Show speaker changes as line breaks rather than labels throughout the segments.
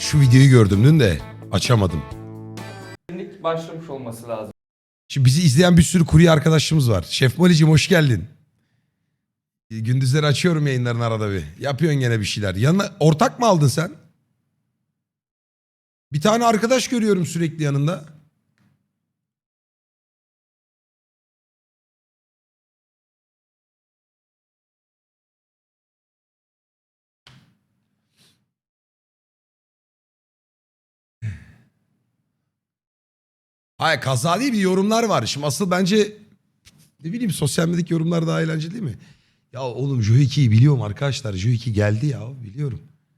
Şu videoyu gördüm dün de açamadım.
Başlamış olması lazım.
Şimdi bizi izleyen bir sürü kurye arkadaşımız var. Şef Moli'cim hoş geldin. Gündüzleri açıyorum yayınların arada bir. Yapıyorsun gene bir şeyler. Yanına ortak mı aldın sen? Bir tane arkadaş görüyorum sürekli yanında. Hayır, kaza değil, bir yorumlar var. Şimdi asıl bence ne bileyim sosyal medyadaki yorumlar daha eğlenceli değil mi? Ya oğlum Joe biliyorum arkadaşlar. Joe geldi ya, biliyorum.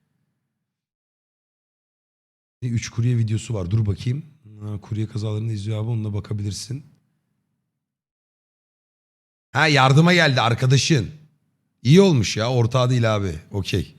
3 kurye videosu var. Dur bakayım. Kurye kazalarını izliyor abi, onunla bakabilirsin. Ha, yardıma geldi arkadaşın. İyi olmuş ya, ortağı değil abi. Okey.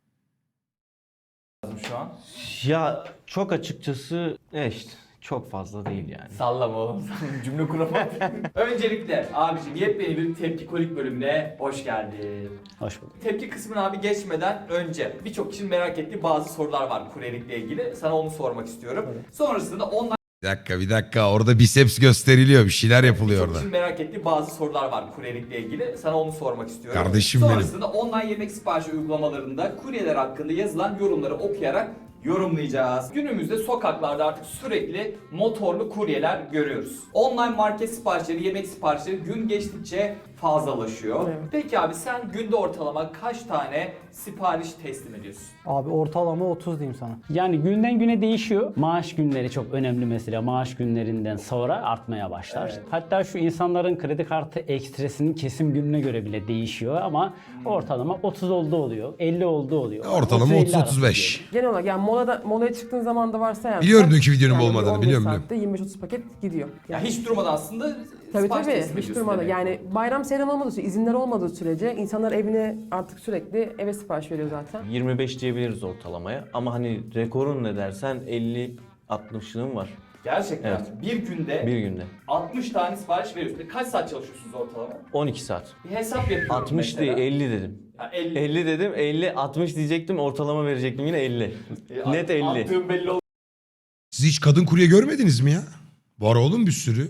Şu an.
Ya çok açıkçası işte çok fazla değil yani.
Sallama oğlum. Cümle kuramadım. Öncelikle abicim yepyeni bir Tepki Kolik bölümüne hoş geldin.
Hoş bulduk.
Tepki kısmına abi geçmeden önce birçok kişinin merak ettiği bazı sorular var kuryelikle ilgili. Sana onu sormak istiyorum. Sonrasında online
Bir dakika. Orada biceps gösteriliyor. Bir şeyler yapılıyor
birçok
orada.
kişinin merak ettiği bazı sorular var kuryelikle ilgili. Sana onu sormak istiyorum.
Kardeşim benim.
Sonrasında online yemek siparişi uygulamalarında kuryeler hakkında yazılan yorumları okuyarak yorumlayacağız. Günümüzde sokaklarda artık sürekli motorlu kuryeler görüyoruz. Online market siparişleri, yemek siparişleri gün geçtikçe fazlalaşıyor.
Evet.
Peki abi sen günde ortalama kaç tane sipariş teslim ediyorsun?
Abi ortalama 30 diyeyim sana.
Yani günden güne değişiyor. Maaş günleri çok önemli mesela. Maaş günlerinden sonra artmaya başlar.
Evet.
Hatta şu insanların kredi kartı ekstresinin kesim gününe göre bile değişiyor ama ortalama 30 olduğu oluyor. 50 olduğu oluyor.
Ortalama
30-50 arası
30-35.
diyelim.
Genel olarak yani molaya çıktığın zaman da varsa yani.
Biliyorum dünkü videonun bu olmadığını,
15
biliyorum,
saatte 25-30 paket gidiyor.
Ya hiç durmadan aslında
Tabii
sipariş teslim
hiç
ediyorsun
durmadan.
demek.
Yani bayram seyran olmadığı sürece, izinler olmadığı sürece insanlar evine artık sürekli eve sipariş veriyor zaten.
25 diyebiliriz ortalamaya ama hani rekorun ne dersen 50-60'lığım var
Gerçekten
Evet.
bir günde
bir günde.
60 tane sipariş veriyorsun. Kaç saat çalışıyorsunuz ortalama?
12 saat.
Bir hesap yapıyorum
60 değil
mesela.
50 dedim.
Ya 50.
50 dedim 50 60 diyecektim ortalama verecektim yine 50. Net 50.
Attığım belli
Siz hiç kadın kurye görmediniz mi ya? Var oğlum bir sürü.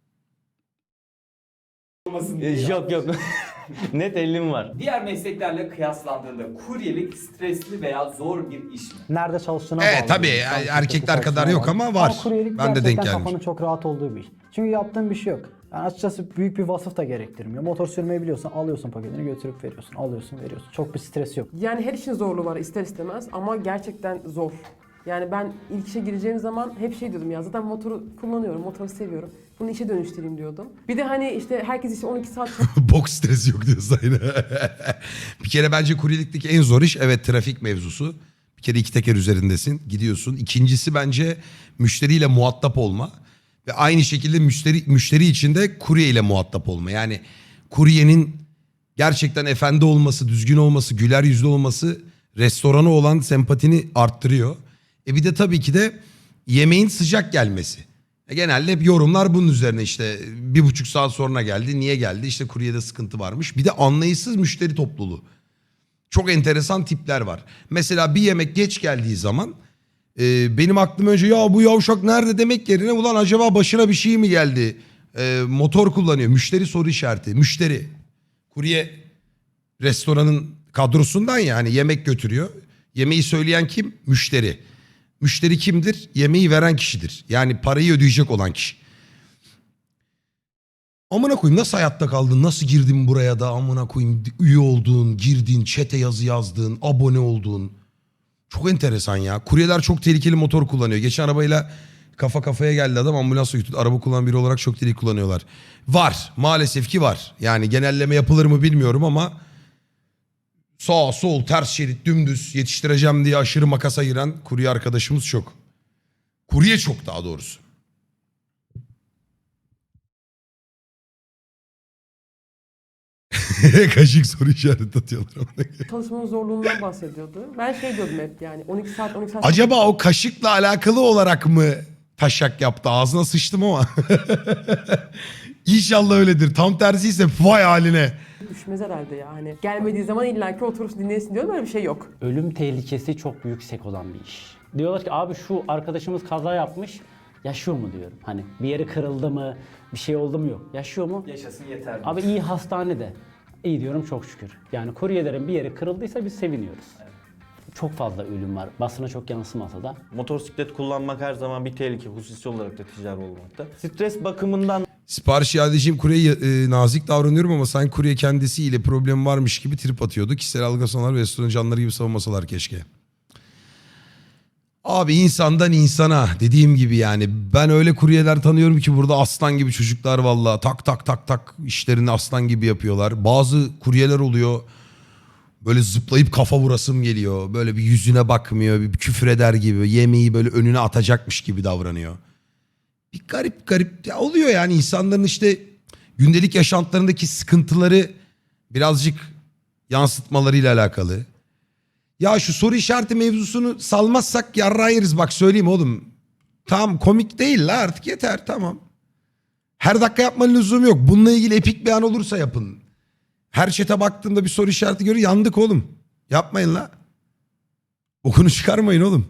olmasın diye.
Yok yok. Net 50'm var.
Diğer mesleklerle kıyaslandığında kuryelik stresli veya zor bir iş mi?
Nerede çalıştığına
Evet,
bağlı.
tabii,
Yani
yani
şirketin
erkekler kadar
çalıştığına
yok
bağlı.
ama var.
kuryelik
Ben de denk
gerçekten
gelmiş.
kafanın çok rahat olduğu bir iş. Çünkü yaptığın bir şey yok. Yani açıkçası büyük bir vasıf da gerektirmiyor. Motor sürmeyi biliyorsan alıyorsun paketini götürüp veriyorsun. Alıyorsun veriyorsun. Çok bir stres yok.
Yani her işin zorluğu var ister istemez ama gerçekten zor. Yani ben ilk işe gireceğim zaman hep şey diyordum ya zaten motoru kullanıyorum, motoru seviyorum. Bunu işe dönüştüreyim diyordum. Bir de hani işte herkes işte 12 saat
Bok stresi yok diyorsun aynı. Bir kere bence kuryelikteki en zor iş evet trafik mevzusu. Bir kere iki teker üzerindesin, gidiyorsun. İkincisi bence müşteriyle muhatap olma. Ve aynı şekilde müşteri için de kurye ile muhatap olma. Yani kuryenin gerçekten efendi olması, düzgün olması, güler yüzlü olması restorana olan sempatini arttırıyor. Bir de tabii ki de yemeğin sıcak gelmesi. Genelde hep yorumlar bunun üzerine işte 1,5 saat sonra geldi. Niye geldi? İşte kuryede sıkıntı varmış. Bir de anlayışsız müşteri topluluğu. Çok enteresan tipler var. Mesela bir yemek geç geldiği zaman benim aklım önce ya bu yavşak nerede demek yerine ulan acaba başına bir şey mi geldi? Motor kullanıyor. Müşteri soru işareti. Müşteri. Kurye restoranın kadrosundan ya hani yemek götürüyor. Yemeği söyleyen kim? Müşteri. Müşteri kimdir? Yemeği veren kişidir. Yani parayı ödeyecek olan kişi. Amına koyayım nasıl hayatta kaldın? Nasıl girdin buraya da amına koyayım üye oldun, girdin, chat'e yazı yazdın, abone oldun. Çok enteresan ya. Kuryeler çok tehlikeli motor kullanıyor. Geçen arabayla kafa kafaya geldi adam ambulansla götürdü. Araba kullanan biri olarak çok tehlikeli kullanıyorlar. Var. Maalesef ki var. Yani genelleme yapılır mı bilmiyorum ama sağ sol ters şerit dümdüz yetiştireceğim diye aşırı makas ayıran kurye arkadaşımız çok. Kurye çok daha doğrusu. Kaşık soru işareti atıyorlar.
çalışmanın zorluğundan bahsediyordu. Ben şey diyordum hep yani 12 saat.
Acaba o kaşıkla alakalı olarak mı taşak yaptı? Ağzına sıçtım ama. İnşallah öyledir. Tam tersi ise vay haline.
yetişmez herhalde ya. Hani gelmediği zaman illaki oturursun dinlesin diyorum, öyle bir şey yok.
Ölüm tehlikesi çok yüksek olan bir iş. Diyorlar ki abi şu arkadaşımız kaza yapmış. Yaşıyor mu diyorum. Hani bir yeri kırıldı mı, bir şey oldu mu yok. Yaşıyor mu?
Yaşasın yeter mi?
Abi iyi hastanede. İyi diyorum çok şükür. Yani kuryelerin bir yeri kırıldıysa biz seviniyoruz. Çok fazla ölüm var. Basına çok yansımasa da.
Motosiklet kullanmak her zaman bir tehlike, hususi olarak da ticari olmakta. Stres bakımından
Sipariş iadeciyim, kuryeye nazik davranıyorum ama sanki kurye kendisiyle problem varmış gibi trip atıyordu. Kişisel algılasalar ve restoran canları gibi savunmasalar keşke. Abi insandan insana dediğim gibi yani ben öyle kuryeler tanıyorum ki burada aslan gibi çocuklar vallahi tak tak tak tak işlerini aslan gibi yapıyorlar. Bazı kuryeler oluyor böyle zıplayıp kafa vurasım geliyor. Böyle bir yüzüne bakmıyor, bir küfür eder gibi, yemeği böyle önüne atacakmış gibi davranıyor. Bir garip garip ya oluyor yani insanların işte gündelik yaşantılarındaki sıkıntıları birazcık yansıtmalarıyla alakalı. Ya şu soru işareti mevzusunu salmazsak yarrağı yeriz bak söyleyeyim oğlum. Tamam komik değil la artık yeter tamam. Her dakika yapmanın lüzumu yok. Bununla ilgili epik bir an olursa yapın. Her chat'e baktığımda bir soru işareti görüyor yandık oğlum. Yapmayın la. Okunu çıkarmayın oğlum.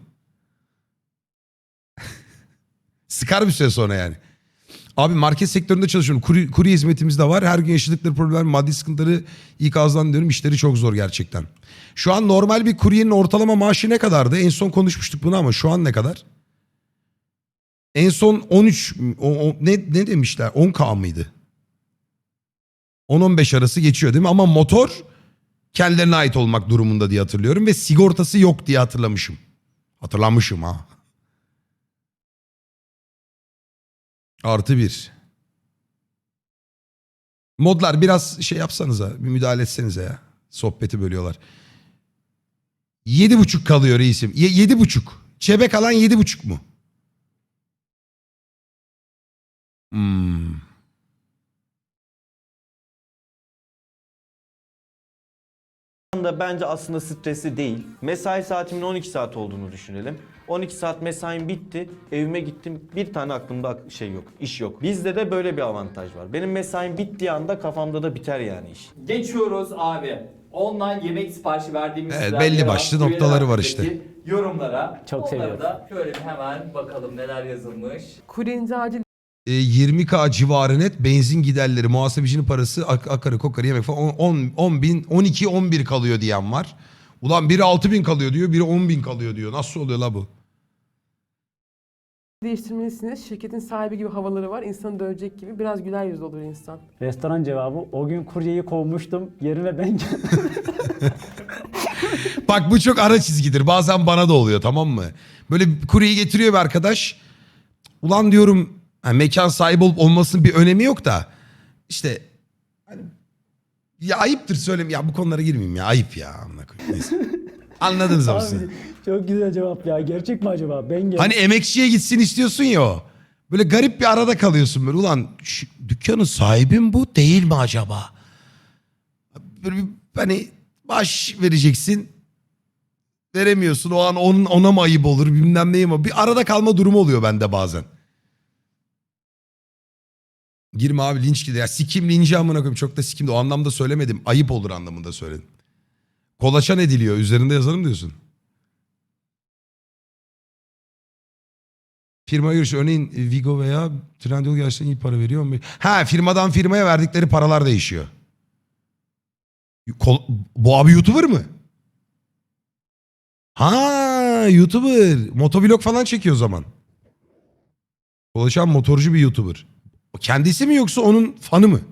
Sıkar bir süre sonra yani. Abi market sektöründe çalışıyorum. Kurye hizmetimiz de var. Her gün yaşadıkları problem, maddi sıkıntıları ikazdan diyorum. İşleri çok zor gerçekten. Şu an normal bir kuryenin ortalama maaşı ne kadardı? En son konuşmuştuk bunu ama şu an ne kadar? En son 13 ne demişler? 10K mıydı? 10-15 arası geçiyor değil mi? Ama motor kendilerine ait olmak durumunda diye hatırlıyorum ve sigortası yok diye hatırlamışım. Hatırlamışım ha. +1. Modlar biraz şey yapsanıza, bir müdahale etsenize ya. Sohbeti bölüyorlar. 7,5 kalıyor reisim. 7,5. Çebe kalan 7,5 mu?
da bence aslında stresli değil. Mesai saatimin 12 saat olduğunu düşünelim. 12 saat mesaim bitti, evime gittim. Bir tane aklımda şey yok, iş yok. Bizde de böyle bir avantaj var. Benim mesaim bittiği anda kafamda da biter yani iş.
Geçiyoruz abi. Online yemek siparişi verdiğimiz
Evet,
sizler
belli
yer
başlı
alan
noktaları var
kuryeler
işte.
yorumlara.
Çok
Onları
seviyorum.
da şöyle bir hemen bakalım neler yazılmış.
Kuryenin acil
20K civarı net benzin giderleri, muhasebecinin parası, akarı kokarı yemek falan 10 bin, 12, 11 kalıyor diyen var. Ulan biri 6 bin kalıyor diyor, biri 10 bin kalıyor diyor. Nasıl oluyor la bu?
değiştirmelisiniz. Şirketin sahibi gibi havaları var. İnsanı dövecek gibi. Biraz güler yüzlü olur insan.
Restoran cevabı o gün kuryeyi kovmuştum. Yerine ben
Bak bu çok ara çizgidir. Bazen bana da oluyor tamam mı? Böyle kuryeyi getiriyor bir arkadaş. Ulan diyorum hani mekan sahibi olup olmasının bir önemi yok da. İşte hani, ya ayıptır söyleyeyim. Ya bu konulara girmeyeyim ya. Ayıp ya. Amına koyayım. Neyse. Anladınız ama siz.
Çok güzel cevap ya. Gerçek mi acaba? Ben gel.
Hani emekçiye gitsin istiyorsun ya o. Böyle garip bir arada kalıyorsun böyle. Ulan şu dükkanın sahibi mi bu değil mi acaba? Böyle bir, hani baş vereceksin. Veremiyorsun. O an ona mı ayıp olur bilmem neyim ama. Bir arada kalma durumu oluyor bende bazen. Girme abi linç gidiyor. Ya sikim linci amına koyayım. Çok da sikim de o anlamda söylemedim. Ayıp olur anlamında söyledim. Kolaçan ediliyor. Üzerinde yazarım diyorsun. Firma görüşü örneğin Vigo veya Trendyol gerçekten iyi para veriyor mu? Ha firmadan firmaya verdikleri paralar değişiyor. Bu abi YouTuber mı? Ha YouTuber. Motovlog falan çekiyor o zaman. Dolaşan motorcu bir YouTuber. O kendisi mi yoksa onun fanı mı?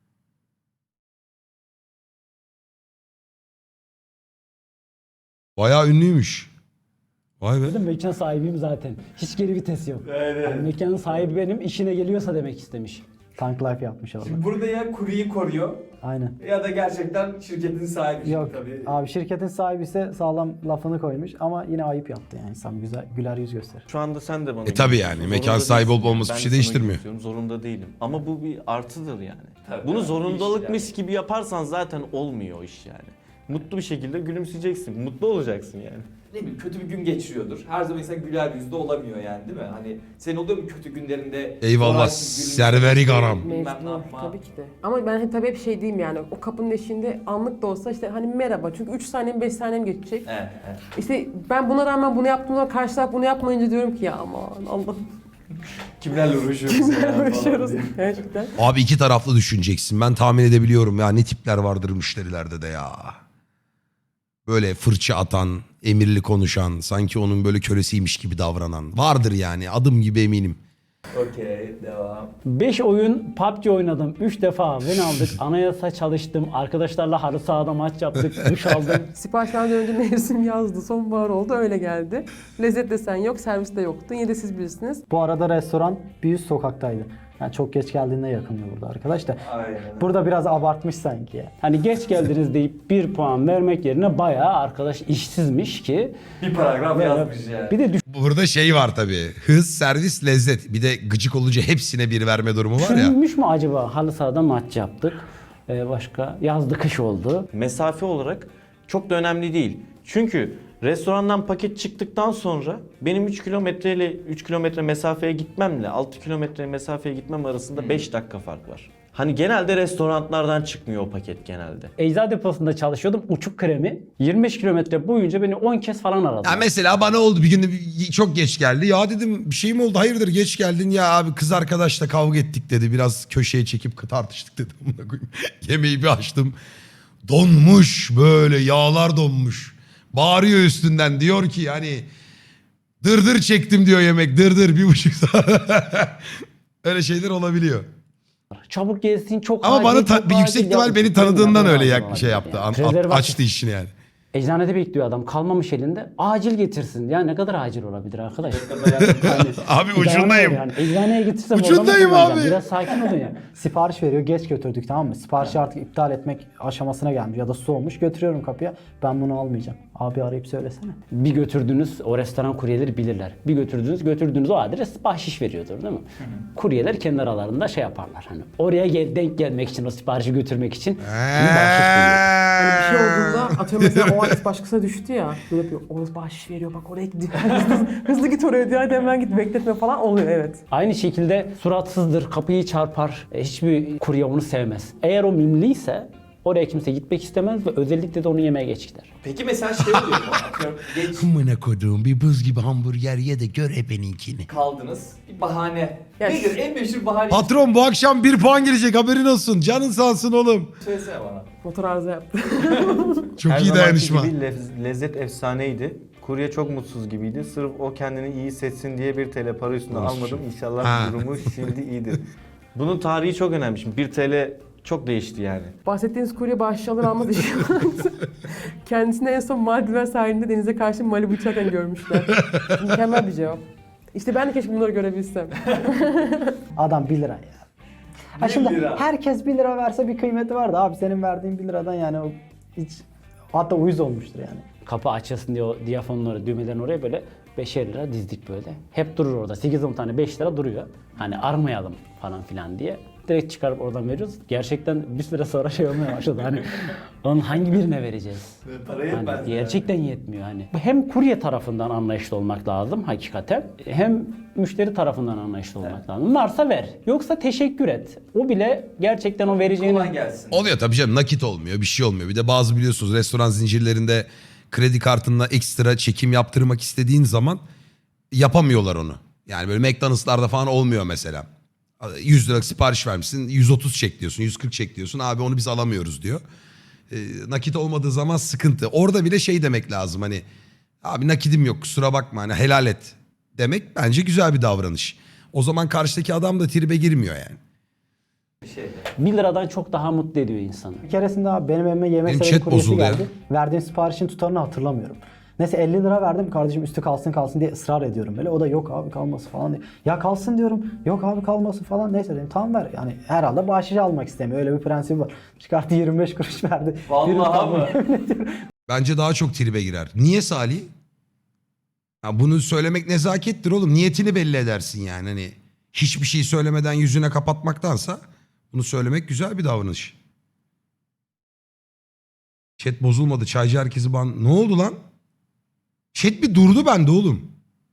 Bayağı ünlüymüş. Vay be.
Mekan sahibiyim zaten. Hiç geri vites yok. Yani mekanın sahibi benim. İşine geliyorsa demek istemiş.
Tank life yapmış orada.
Şimdi burada ya kuryeyi koruyor
Aynen.
ya da gerçekten şirketin sahibi.
Yok
Tabii.
abi şirketin sahibi ise sağlam lafını koymuş ama yine ayıp yaptı yani insan güzel güler yüz gösterir.
Şu anda sen de bana
tabii
gülüyorsun.
yani, mekan
Zorunda
sahibi olup
değilsin.
olması
Ben
bir
de
şey
sana
değiştirmiyor.
gülüyorum, zorunda değilim. Ama bu bir artıdır yani.
Tabii,
Bunu
tabii.
zorundalıkmış
İş
gibi yaparsan zaten olmuyor o iş yani. Mutlu bir şekilde gülümseyeceksin. Mutlu olacaksın yani.
Ne bileyim kötü bir gün geçiriyordur. Her zaman insan güler yüzlü olamıyor yani değil mi? Hani senin oluyor mu kötü günlerinde?
Eyvallah,
morarsız, gülümseyecek,
serverik anam.
bilmem ne
Mecbur,
yapma.
tabii ki de. Ama ben tabii hep şey diyeyim yani o kapının eşiğinde anlık da olsa işte hani merhaba çünkü 3 saniyem 5 saniyem geçecek.
Evet, evet.
İşte ben buna rağmen bunu yaptığımda karşı taraf bunu yapmayınca diyorum ki ya aman Allah'ım
Kimlerle uğraşıyoruz
kimlerle
ya falan
uğraşıyoruz
diye.
gerçekten.
Abi iki taraflı düşüneceksin. Ben tahmin edebiliyorum ya ne tipler vardır müşterilerde de ya. Böyle fırça atan, emirli konuşan, sanki onun böyle kölesiymiş gibi davranan. Vardır yani, adım gibi eminim.
Okey, devam.
5 oyun PUBG oynadım. 3 defa win aldık. Anayasa çalıştım. Arkadaşlarla halı sahada maç yaptık. Duş aldım.
Sipariş vermeden önce mevsim yazdı, sonbahar oldu öyle geldi. Lezzet desen yok, servis de yoktu. Yine de siz bilirsiniz.
Bu arada restoran bir üst sokaktaydı. Yani çok geç geldiğinde yakınıyor burada arkadaş da.
Aynen.
Burada biraz abartmış sanki ya.
Hani geç geldiniz deyip 1 puan vermek yerine bayağı arkadaş işsizmiş ki.
Bir paragraf yazmış yani.
Bir de
Burada şey var tabii. Hız, servis, lezzet. Bir de gıcık olunca hepsine bir verme durumu var ya.
düşünülmüş mü acaba? Halı sahada maç yaptık. Başka yazdı kış oldu.
Mesafe olarak çok da önemli değil. Çünkü restorandan paket çıktıktan sonra benim 3 kilometre ile 3 kilometre mesafeye gitmemle 6 kilometre mesafeye gitmem arasında 5 dakika fark var. Hani genelde restoranlardan çıkmıyor o paket genelde.
Eczacı deposunda çalışıyordum. Uçuk kremi. 25 kilometre boyunca beni 10 kez falan aradı.
Ya mesela bana oldu bir gün çok geç geldi. Ya dedim bir şey mi oldu? Hayırdır geç geldin ya abi kız arkadaşla kavga ettik dedi. Biraz köşeye çekip tartıştık dedim. Amına koyayım. Yemeği bir açtım. Donmuş böyle yağlar donmuş. Bağırıyor üstünden diyor ki yani dırdır çektim diyor yemek dırdır 1,5 saat. Öyle şeyler olabiliyor.
Çabuk gelsin çok
Ama
acil,
bana
çok
bir yüksek
acil.
ihtimal
Ya,
beni tanıdığından öyle
bilmiyorum,
şey
olabilir
yaptı.
yani. Rezervasyon.
Açtı işini yani.
Eczanede bekliyor adam. Kalmamış elinde. Acil getirsin. Ya ne kadar acil olabilir arkadaş?
Abi
Bir
ucundayım.
dayanamıyor Yani. Eczaneye getirsem
Ucundayım
orada mı kullanacağım?
abi.
Biraz sakin olun ya.
Sipariş veriyor, geç götürdük tamam mı? Siparişi artık iptal etmek aşamasına gelmiş ya da soğumuş. Götürüyorum kapıya. Ben bunu almayacağım. Abi arayıp söylesene.
Bir götürdüğünüz o restoran kuryeleri bilirler. Bir götürdüğünüz o adres bahşiş veriyordur değil mi? Kuryeler kendi aralarında şey yaparlar. Hani oraya denk gelmek için o siparişi götürmek için bir bahşiş veriyor.
Hani bir şey olduğunda atıyorum mesela o adres başkasına düştü ya. Böyle yapıyor. Orası bahşiş veriyor bak oraya gidiyor. Hızlı git oraya diyor. Hadi hemen git bekletme falan oluyor evet.
Aynı şekilde suratsızdır, kapıyı çarpar. Hiçbir kurye onu sevmez. Eğer o mimliyse oraya kimse gitmek istemez ve özellikle de onu yemeye geç gider.
Peki mesela şey oluyor mu? Atıyorum, geç
Amına koduğum bir buz gibi hamburger ye de gör ebeninkini.
kaldınız. Bir bahane.
Ya
Nedir en meşhur bahane?
Patron bu akşam 1 puan gelecek haberin olsun. Canın sağ olsun oğlum.
Söylesene bana.
Motor arıza yaptı.
Çok
Her
iyi
zamanki
dayanışma.
gibi lezzet efsaneydi. Kurye çok mutsuz gibiydi. Sırf o kendini iyi hissetsin diye 1 TL para üstüne almadım. İnşallah
Ha.
durumu şimdi iyidir. Bunun tarihi çok önemli. Şimdi 1 TL çok değişti yani.
Bahsettiğiniz kurye bahşiş alır almaz işi kendisini en son Maldiven sahilinde denize karşı Malibu içerken görmüşler. Mükemmel bir cevap. İşte ben de keşke bunları görebilsem.
Adam 1 lira ya. Ha
1
şimdi
lira.
herkes 1 lira verse bir kıymeti vardı abi. Senin verdiğin 1 liradan yani o hiç hatta uyuz olmuştur yani.
Kapı açılsın diye o diyafonları, düğmelerini oraya böyle 5'er lira dizdik böyle. Hep durur orada. 8-10 tane 5 lira duruyor. Hani armayalım falan filan diye. Direkt çıkarıp oradan veriyoruz. Gerçekten bir süre sonra şey olmaya başladı. Hani onun hangi birine vereceğiz?
Para yetmez.
Hani gerçekten yetmiyor hani. Hem kurye tarafından anlayışlı olmak lazım hakikaten. Hem müşteri tarafından anlayışlı olmak lazım. Varsa ver. Yoksa teşekkür et. O bile gerçekten o vereceğini...
Kolay gelsin.
Oluyor tabii canım, nakit olmuyor, bir şey olmuyor. Bir de bazı biliyorsunuz restoran zincirlerinde kredi kartına ekstra çekim yaptırmak istediğin zaman yapamıyorlar onu. Yani böyle McDonald's'larda falan olmuyor mesela. 100 lira sipariş vermişsin, 130 çek diyorsun, 140 çek diyorsun. Abi onu biz alamıyoruz diyor. Nakit olmadığı zaman sıkıntı. Orada bile şey demek lazım hani, abi nakidim yok kusura bakma hani helal et demek bence güzel bir davranış. O zaman karşıdaki adam da tribe girmiyor yani.
Bir şey.
1 liradan çok daha mutlu ediyor insanı.
Bir keresinde abi benim evime yemek
Benim
sepeti
chat
kuryesi
bozuldu ya.
geldi. Verdiğim siparişin tutarını hatırlamıyorum. Neyse 50 lira verdim kardeşim üstü kalsın diye ısrar ediyorum böyle. O da yok abi kalması falan diye. Ya kalsın diyorum. Yok abi kalması falan. Neyse dedim tamam ver. Yani herhalde bahşiş almak istemiyor. Öyle bir prensip var. Çıkarttı 25 kuruş verdi.
Vallahi mı?
Bence daha çok tribe girer. Niye Salih? Ya bunu söylemek nezakettir oğlum. Niyetini belli edersin yani. Hani hiçbir şey söylemeden yüzüne kapatmaktansa bunu söylemek güzel bir davranış. Chat bozulmadı. Çaycı herkesi ban... Ne oldu lan? Chat bir durdu bende oğlum.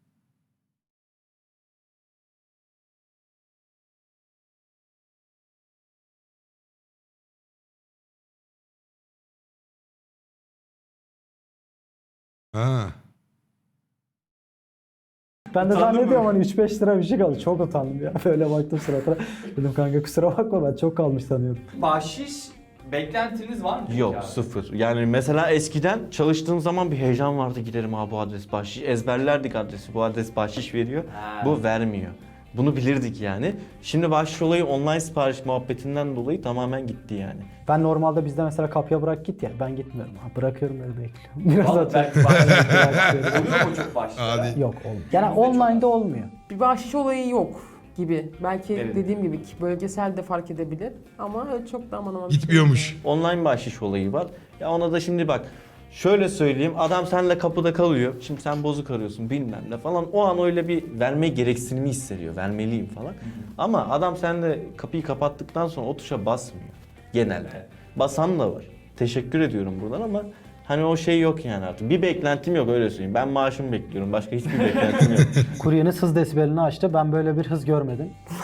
Ha.
Ben de
Utandın
zannediyorum
mı?
hani 3-5 lira bir şey kaldı. Çok utandım ya. Böyle baktım suratına. Dedim kanka kusura bakma ben çok kalmış sanıyordum.
Bahşiş beklentiniz var mı? peki
Yok
abi?
sıfır. Yani mesela eskiden çalıştığım zaman bir heyecan vardı, giderim abi bu adres bahşiş. Ezberlerdik adresi, bu adres bahşiş veriyor.
Ha.
Bu vermiyor. Bunu bilirdik yani. Şimdi bahşiş olayı online sipariş muhabbetinden dolayı tamamen gitti yani.
Ben normalde bizde mesela kapıya bırak git ya. Ben gitmiyorum. Ha, bırakıyorum öyle bekliyorum. Biraz
Vallahi
atıyorum.
belki bahşiş
Bırakıyorum.
oluyor mu çok bahşişler?
Hadi.
Yok oğlum. Yani
Bizde çok
online'da olmuyor.
Bir bahşiş olayı yok gibi. Belki
Evet.
dediğim gibi bölgesel de fark edebilir ama öyle çok da aman aman bir şey
Gitmiyormuş.
yok
Online bahşiş olayı var. Ya ona da şimdi bak şöyle söyleyeyim, adam seninle kapıda kalıyor. Şimdi sen bozuk arıyorsun bilmem ne falan. O an öyle bir verme gereksinimi hissediyor. Vermeliyim falan. Ama adam seninle kapıyı kapattıktan sonra o tuşa basmıyor. Genelde. Basan da var. Teşekkür ediyorum buradan ama hani o şey yok yani artık. Bir beklentim yok öyle söyleyeyim. Ben maaşımı bekliyorum. Başka hiçbir beklentim yok.
Kuryeniz hız desibelini açtı. Ben böyle bir hız görmedim.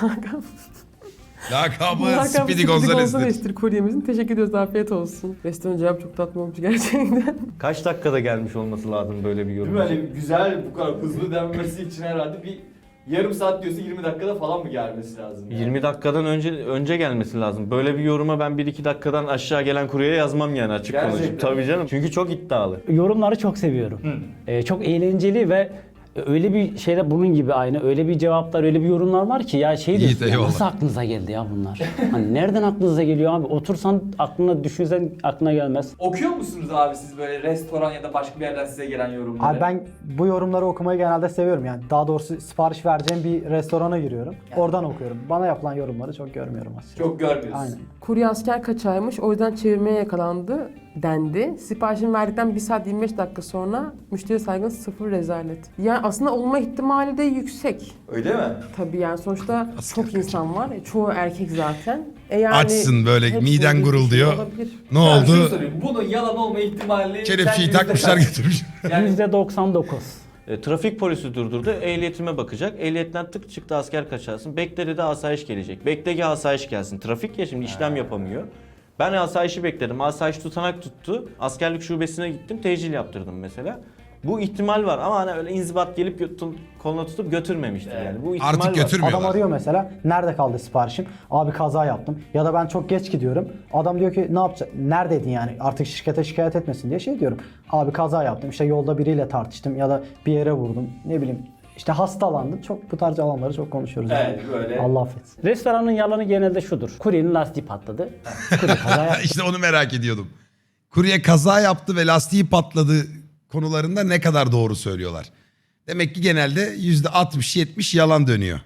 Lakabı
Lakabı
Speedy
Speedy
Gonzales'tir.
Gonzales'tir kuryemizin. Teşekkür ediyoruz. Afiyet olsun. Restoran cevap çok tatlı olmuş gerçekten.
Kaç dakikada gelmiş olması lazım böyle bir
Değil
yorum?
mi? Hani güzel bu kadar hızlı denmesi için herhalde bir yarım saat diyorsa 20 dakikada falan mı gelmesi lazım? Yani?
20 dakikadan önce gelmesi lazım. Böyle bir yoruma ben 1-2 dakikadan aşağı gelen kuryeye yazmam yani açık
Gerçekten.
konuşayım. Tabii canım. Çünkü çok iddialı.
Yorumları çok seviyorum. Çok eğlenceli ve öyle bir şeyde bunun gibi aynı öyle bir cevaplar öyle bir yorumlar var ki ya şey
İyi,
diyorsun ya,
eyvallah.
nasıl aklınıza geldi ya bunlar? Hani nereden aklınıza geliyor abi? Otursan aklına düşünsen aklına gelmez.
Okuyor musunuz abi siz böyle restoran ya da başka bir yerden size gelen yorumları?
Abi ben bu yorumları okumayı genelde seviyorum yani. Daha doğrusu sipariş vereceğim bir restorana giriyorum. Oradan okuyorum. Bana yapılan yorumları çok görmüyorum aslında.
Çok görmüyorsun.
Aynen.
Kurye asker kaçağıymış. O yüzden çevirmeye yakalandı dendi. Siparişini verdikten 1 saat 25 dakika sonra müşteri saygın 0 rezalet. Yani aslında olma ihtimali de yüksek.
Öyle mi?
Tabii yani sonuçta
Asker
çok insan var. Çoğu erkek zaten. Yani
Açsın böyle,
hepsinin
miden
bir
gurulduyor.
şey olabilir.
Ne
Ben şunu
oldu?
sorayım. Bunun yalan olma ihtimali...
Kelepçeyi
sence
takmışlar
yüzde kaç?
getirmiş.
Yani
%99.
Trafik polisi durdurdu. Ehliyetime bakacak. Ehliyetten tık çıktı asker kaçarsın. Bekle dedi asayiş gelecek. Bekle ki asayiş gelsin. Trafik ya şimdi işlem yapamıyor. Ben asayişi bekledim. Asayiş tutanak tuttu. Askerlik şubesine gittim. Tecil yaptırdım mesela. Bu ihtimal var ama hani öyle inzibat gelip koluna tutup götürmemiştir yani. Bu ihtimal
Artık
var.
götürmüyorlar.
Adam arıyor mesela. Nerede kaldı siparişim? Abi kaza yaptım. Ya da ben çok geç gidiyorum. Adam diyor ki ne yapacaksın? Neredeydin yani? Artık şirkete şikayet etmesin diye şey diyorum. Abi kaza yaptım. İşte yolda biriyle tartıştım ya da bir yere vurdum. Ne bileyim. İşte hastalandım. Çok bu tarz alanları çok konuşuyoruz.
Evet, böyle.
Allah affetsin.
Restoranın yalanı genelde şudur. Kuryenin lastiği patladı. Kurye kaza yaptı.
İşte onu merak ediyordum. Kurye kaza yaptı ve lastiği patladı konularında ne kadar doğru söylüyorlar. Demek ki genelde %60-70 yalan dönüyor.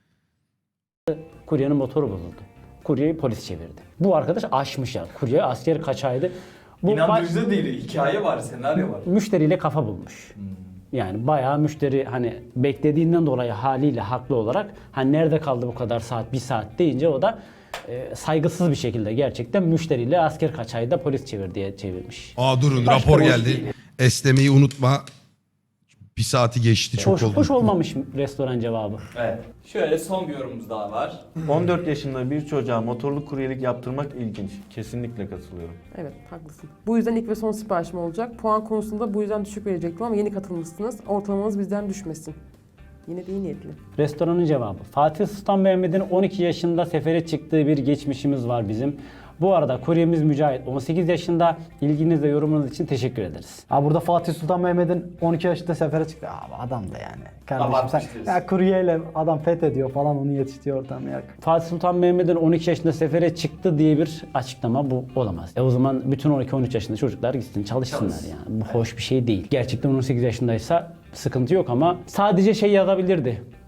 Kuryenin motoru bozuldu. Kuryeyi polis çevirdi. Bu arkadaş aşmış ya. Kurye asker kaçaydı. Bu
İnandırıcı değil. Hikaye var, senaryo var.
müşteriyle kafa bulmuş. Yani bayağı müşteri hani beklediğinden dolayı haliyle haklı olarak hani nerede kaldı bu kadar saat 1 saat deyince o da saygısız bir şekilde gerçekten müşteriyle asker kaçayda polis çevir diye çevirmiş.
Aa durun
Başka
rapor
boş
geldi.
değil.
Esnemeyi unutma. Bir saati geçti çok oldu.
Hoş olmamış restoran cevabı.
Evet. Şöyle son bir yorumumuz daha var.
14 yaşında bir çocuğa motorlu kuryelik yaptırmak ilginç. Kesinlikle katılıyorum.
Evet haklısın. Bu yüzden ilk ve son siparişim olacak. Puan konusunda bu yüzden düşük verecektim ama yeni katılmışsınız. Ortalamanız bizden düşmesin. Yine de iyi niyetli.
Restoranın cevabı. Fatih Sultan Mehmet'in 12 yaşında sefere çıktığı bir geçmişimiz var bizim. Bu arada kuryemiz Mücahit 18 yaşında. İlginiz ve yorumunuz için teşekkür ederiz.
Abi burada Fatih Sultan Mehmet'in 12 yaşında sefere çıktı. Abi adam da yani. Kardeşim
Abartmış
sen
diyorsun.
ya kuryeyle adam fethediyor falan onu yetiştiriyor ortam ya.
Fatih Sultan Mehmet'in 12 yaşında sefere çıktı diye bir açıklama bu olamaz. O zaman bütün 12-13 yaşında çocuklar gitsin çalışsınlar
Çalışsın.
yani. Bu hoş bir şey değil. Gerçekten 18 yaşındaysa sıkıntı yok ama sadece şey yazabilirdi.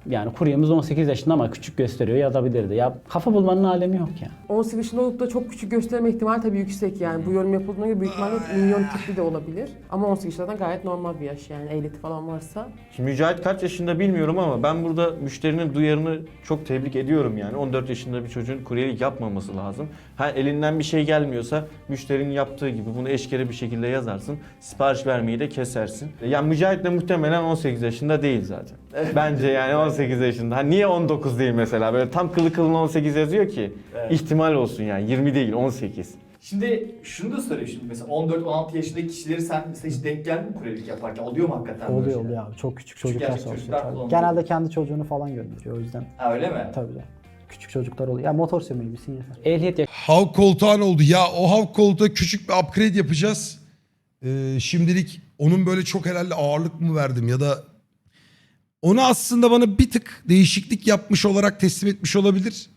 Yani kuryemiz 18 yaşında ama küçük gösteriyor, yazabilirdi. Ya kafa bulmanın alemi yok ya.
18 yaşında olup da çok küçük gösterme ihtimali tabii yüksek yani. Bu yorum yapıldığına göre büyük ihtimalle milyon tipli de olabilir. Ama 18 yaşından gayet normal bir yaş yani ehliyeti falan varsa.
Şimdi Mücahit kaç yaşında bilmiyorum ama ben burada müşterinin duyarını çok tebrik ediyorum yani. 14 yaşında bir çocuğun kuryelik yapmaması lazım. Ha elinden bir şey gelmiyorsa müşterinin yaptığı gibi bunu eşkere bir şekilde yazarsın. Sipariş vermeyi de kesersin. Yani Mücahit de muhtemelen 18 yaşında değil zaten. Bence yani 18 yaşında. Ha niye 19 değil mesela? Böyle tam kılı kılına 18 yazıyor ki. İhtimal olsun yani 20 değil 18.
Şimdi şunu da sorayım şimdi mesela 14-16 yaşındaki kişileri sen mesela hiç denk geldin mi kuryelik yaparken? Oluyor mu hakikaten böyle
Oluyor
şeyler?
oluyor abi. Çok küçük
Küçük
çocuklar
yaşta
çalışıyor.
çocuklar
tabii.
kullanıyor.
Genelde kendi çocuğunu falan gönderiyor o yüzden.
Ha öyle mi?
Tabii de. Küçük çocuklar oluyor. Ya motor sürmeyi bilsin yeter.
Ehliyet
Havk koltuğun oldu. Ya o havk koltuğa küçük bir upgrade yapacağız. Şimdilik onun böyle çok herhalde ağırlık mı verdim ya da onu aslında bana bir tık değişiklik yapmış olarak teslim etmiş olabilir.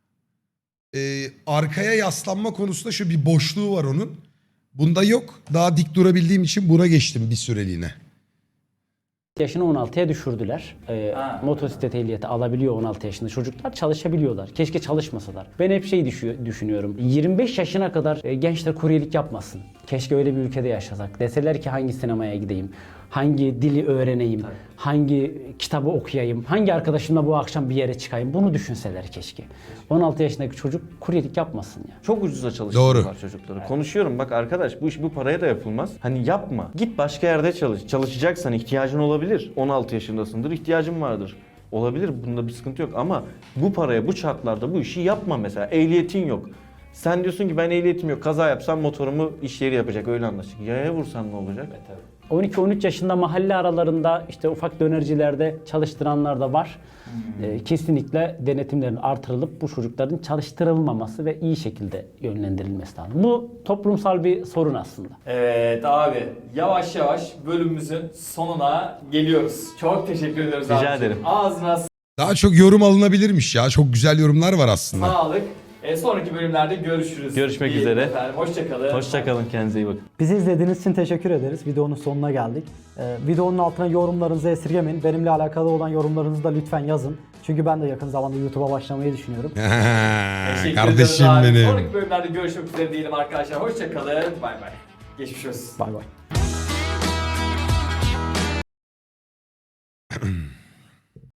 Arkaya yaslanma konusunda şu bir boşluğu var onun. Bunda yok. Daha dik durabildiğim için buna geçtim bir süreliğine.
yaşını 16'ya düşürdüler.
Ha.
Motosiklet ehliyeti alabiliyor 16 yaşında çocuklar, çalışabiliyorlar. Keşke çalışmasalar. Ben hep şey düşünüyorum. 25 yaşına kadar gençler kuryelik yapmasın. Keşke öyle bir ülkede yaşasak. Deseler ki hangi sinemaya gideyim, hangi dili öğreneyim, hangi kitabı okuyayım, hangi arkadaşımla bu akşam bir yere çıkayım. Bunu düşünseler keşke. 16 yaşındaki çocuk kuryelik yapmasın ya.
Çok ucuza çalıştırıyorlar
Doğru.
çocukları. Konuşuyorum bak arkadaş bu iş bu paraya da yapılmaz. Hani yapma. Git başka yerde çalış. Çalışacaksan ihtiyacın olabilir. 16 yaşındasındır ihtiyacın vardır. Olabilir bunda bir sıkıntı yok ama bu paraya bu şartlarda bu işi yapma mesela. Ehliyetin yok. Sen diyorsun ki ben ehliyetim yok. Kaza yapsam motorumu iş yeri yapacak öyle anlaştık. Yaya vursan ne olacak?
12-13 yaşında mahalle aralarında işte ufak dönercilerde çalıştıranlar da var. Kesinlikle denetimlerin artırılıp bu çocukların çalıştırılmaması ve iyi şekilde yönlendirilmesi lazım. Bu toplumsal bir sorun aslında.
Evet abi yavaş yavaş bölümümüzün sonuna geliyoruz. Çok teşekkür ediyoruz
Rica
abi.
ederim.
Ağzına
Daha çok yorum alınabilirmiş ya. Çok güzel yorumlar var aslında.
sağlık. Sonraki bölümlerde görüşürüz.
Görüşmek
İyi
üzere.
Efendim. Hoşçakalın.
Hoşçakalın kendinize iyi bakın.
Bizi izlediğiniz için teşekkür ederiz. Videonun sonuna geldik. Videonun altına yorumlarınızı esirgemeyin. Benimle alakalı olan yorumlarınızı da lütfen yazın. Çünkü ben de yakın zamanda YouTube'a başlamayı düşünüyorum.
Teşekkür
Kardeşim
ediyoruz abi.
benim.
Sonraki bölümlerde görüşmek üzere diyelim arkadaşlar. Hoşçakalın. Bay bay. Geçmiş olsun.
Bay bay.